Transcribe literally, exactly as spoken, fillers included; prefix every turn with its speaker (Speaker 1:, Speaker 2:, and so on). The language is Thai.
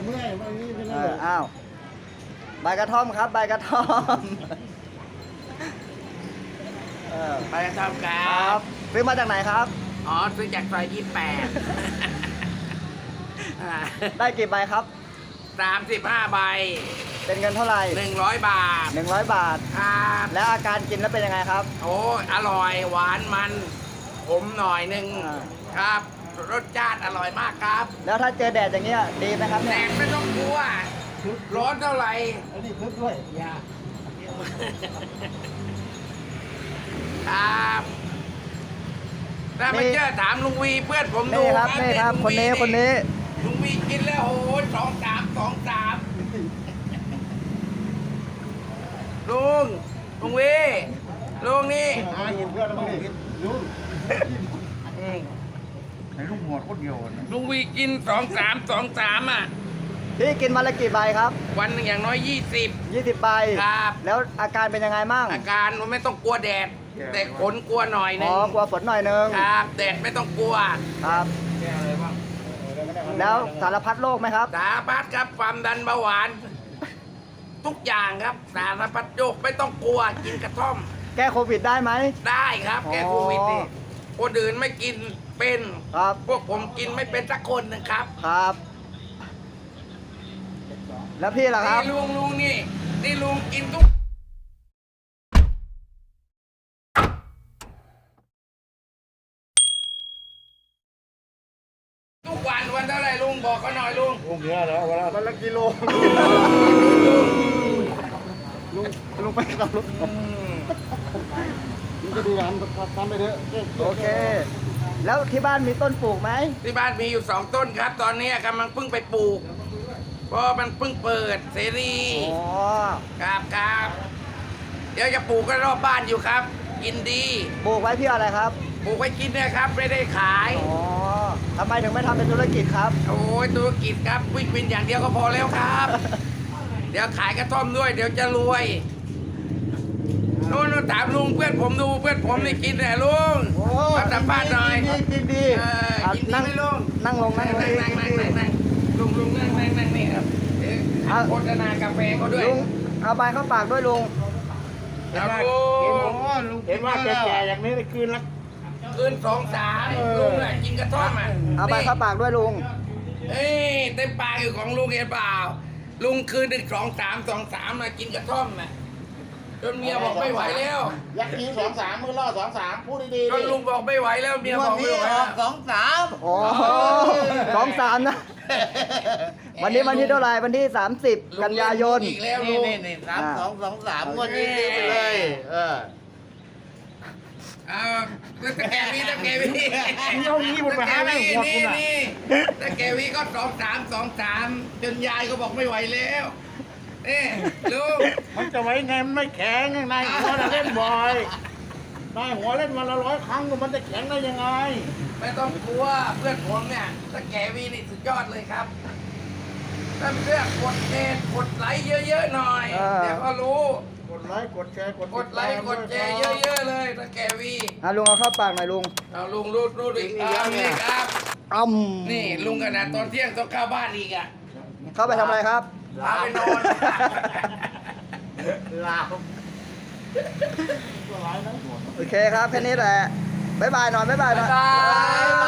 Speaker 1: เมื่อยวันนี้เป็น
Speaker 2: เอ
Speaker 1: ไร
Speaker 2: ออ้าวใบกระท่อมครับใบกระท่อมเออ
Speaker 3: ไปทำกา
Speaker 2: ค
Speaker 3: ร
Speaker 2: รับซื้อมาจากไหนครับ
Speaker 3: อ๋อซื้อจากซอยยี่แปด
Speaker 2: ได้กี่ใบครับ
Speaker 3: สามสิบห้าใบ
Speaker 2: เป็นเงินเท่าไหร่
Speaker 3: หนึ่งร้อยบาท
Speaker 2: หนึ่งร้อยบาท
Speaker 3: ครับ
Speaker 2: แล้วอาการกินแล้วเป็นยังไงครับ
Speaker 3: โอ้ยอร่อยหวานมันขมหน่อยหนึ่ง
Speaker 2: อ่า
Speaker 3: ครับ รสชาติอร่อยมากครับ
Speaker 2: แล้วถ้าเจอแดดอย่างเงี้ยดีไหมครับ
Speaker 3: แด
Speaker 2: เนี่ย
Speaker 3: ดไม่ต้องกลัว ร้อนเท่าไหร่
Speaker 1: อันนี้คึกด้วย
Speaker 3: อย่าครับถ้าไม่เชื่อถามลุงวีเพื่อนผมดู
Speaker 2: นี่ครับนี่ครับ
Speaker 3: ลุง
Speaker 2: คนนี้
Speaker 3: วี
Speaker 2: คนนี้
Speaker 3: ลุงวีกินแล้วโอ้โหสองสามสองสามลุงลุงวีลุงนี่
Speaker 1: หาเห็นเพื่อนแล้วมั้งนี่ลุง
Speaker 4: ในลูกหัวโคตรเดียวนะ
Speaker 3: ลุงวีกินสองสามสองสามอ่ะ
Speaker 2: พี่กินวันละกี่ใบครับ
Speaker 3: วันหนึ่งอย่างน้อยยี่สิบ
Speaker 2: ยี่สิบใบ
Speaker 3: ครับ
Speaker 2: แล้วอาการเป็นยังไงมั่ง
Speaker 3: อาการมันไม่ต้องกลัวแดด แต่ขนกลัวหน่อยหนึ
Speaker 2: อ๋
Speaker 3: ง
Speaker 2: อกลัวฝนหน่อยนึง
Speaker 3: ครับแดดไม่ต้องกลัว
Speaker 2: ครับ
Speaker 3: แก้อะไรบ้าง
Speaker 2: แล้วสารพัดโรคไหมครับ
Speaker 3: สารพัดครับความดันเบาหวาน ทุกอย่างครับสารพัดโรคไม่ต้องกลัวกินกระท่อม
Speaker 2: แก้โควิดได้ไหม
Speaker 3: ได้ครับ แก้โควิดนี่
Speaker 2: อ๋อ
Speaker 3: คนอื่นไม่กินเป็น
Speaker 2: ครับ
Speaker 3: พวกผมกินไม่เป็นสักคนนะครับ
Speaker 2: ครับ แล้วพี่ล่ะครับ
Speaker 3: นี่ลุงลุงนี่นี่ลุงกินทุกทุกวันวันเท่าไหรลุงบอกเขาหน่อยลุง
Speaker 1: ลุงเยอะแล้ววันละวันละกิโลลุงลุงไปกับลุง
Speaker 3: อืม
Speaker 1: ลุงจะดูงานทำไปเถอะ
Speaker 2: โอเค แล้วที่บ้านมีต้นปลูกไหม
Speaker 3: ที่บ้านมีอยู่สองต้นครับ ตอนนี้กำลังเพิ่งไปปลูก เพราะมันเพิ่งเปิดเสรี
Speaker 2: อ๋อ
Speaker 3: ครับครับเดี๋ยวจะปลูกกันรอบบ้านอยู่ครับ กินดี
Speaker 2: ปลูกไว้เพื่ออะไรครับ
Speaker 3: ปลูกไว้กินเนะครับ ไม่ได้ขาย
Speaker 2: อ๋อทำไมถึงไม่ทำเป็นธุรกิจครับ
Speaker 3: โอ้ยธุรกิจครับวิ่งวินอย่างเดียวก็พอแล้วครับ เดี๋ยวขายกระท่อมด้วย เดี๋ยวจะรวยโน่นๆถามลุงเพื่อนผมดูเพื่อนผมนี่กินแหละลุง
Speaker 1: โอ้
Speaker 3: มาสัมภาษณ์หน่อย
Speaker 1: กินดีกินดี
Speaker 3: เออ
Speaker 2: อ่ะ
Speaker 3: กินดี
Speaker 2: นั่ง
Speaker 3: ไหมลุง
Speaker 2: นั่งลงนั่งลง
Speaker 3: นั่งนั่งนั่งนั่งนั่งลุงลุงนั่งนั่งนั่งนี่ครับเอ๊ะ
Speaker 2: อ่ะ
Speaker 3: โฆษณากาแฟเขาด้วย
Speaker 2: ลุงเอาใบเข้าปากด้วยลุง
Speaker 3: ครับลุ
Speaker 1: เห็น
Speaker 3: ง
Speaker 1: ว่าเห็นว่าแก่ๆอย่างนี้ได้คืนละ
Speaker 3: คืนสองสามลุงน่ะกินกระท่อมอ่ะ
Speaker 2: เอาใบเข้าปากด้วยลุง
Speaker 3: เอ้ยเต็มปากอยู่ของลุงเห็นเปล่า ลุงคืนหนึ่งสองสามสองสามมากินกระท่อมน่ะจนเมียบอกไม่ไหวแล้ว
Speaker 1: ยักษ์ทีสองสามมือล่อสองสามพูดดีๆ
Speaker 3: จนลุงบอกไม่ไหวแล้วเมียบอกไม่ไหว
Speaker 1: อ
Speaker 3: แล้
Speaker 1: อ
Speaker 3: ว
Speaker 1: กสองสาม
Speaker 2: อ๋อสองสามนะ วันนี้วันที่เท่าไหร่วันที่สามสิบกันยายน
Speaker 3: อีกแล้ว
Speaker 1: นี่
Speaker 3: ลุง
Speaker 1: นี่นี่สามสองสองสามงวดนี้ซื้อไปเลย เออ
Speaker 3: เอาแล้วตะแกวีตะแกวี
Speaker 1: เอางี้มันไปหาแม่หัวคุณอะ
Speaker 3: นี่ตะแกวีก็สองสามสองสามจนยายก็บอกไม่ไหวแล้วเอ้ลุง
Speaker 1: มันจะไว้ไงมันไม่แข็งนายหัวน่ะเล่นบ่อยนายหัวเล่นวันละร้อยครั้งก็มันจะแข็งได้ยังไง
Speaker 3: ไม่ต้องกลัวเพื่อนผมเนี่ยตะแกวีนี่สุดยอดเลยครับถ้าเพื่อนกดเดทกดไลค์เยอะๆหน่อย
Speaker 2: เออ
Speaker 3: เดี๋ยวก็รู้
Speaker 1: กดไลค์กดแชร์กด
Speaker 3: กดไลค์กดแชร์เยอะๆเลยตะแกวี
Speaker 2: อ่ะลุงเอาเข้าปากหน่อยลุง
Speaker 3: เอาลุงรูดรูดอีกเอานี่ครับ
Speaker 2: อ้ำ
Speaker 3: นี่ลุงกันนะตอนเที่ยงต้องเข้าบ้านอีกอ่ะ
Speaker 2: เข้าไปทำอะไรครับ
Speaker 3: พาไปนอน
Speaker 1: ลา
Speaker 2: โอเคครับแค่นี้แหละ บ๊ายบายหน่อยบ๊ายบายหน่อย
Speaker 3: บ๊ายบาย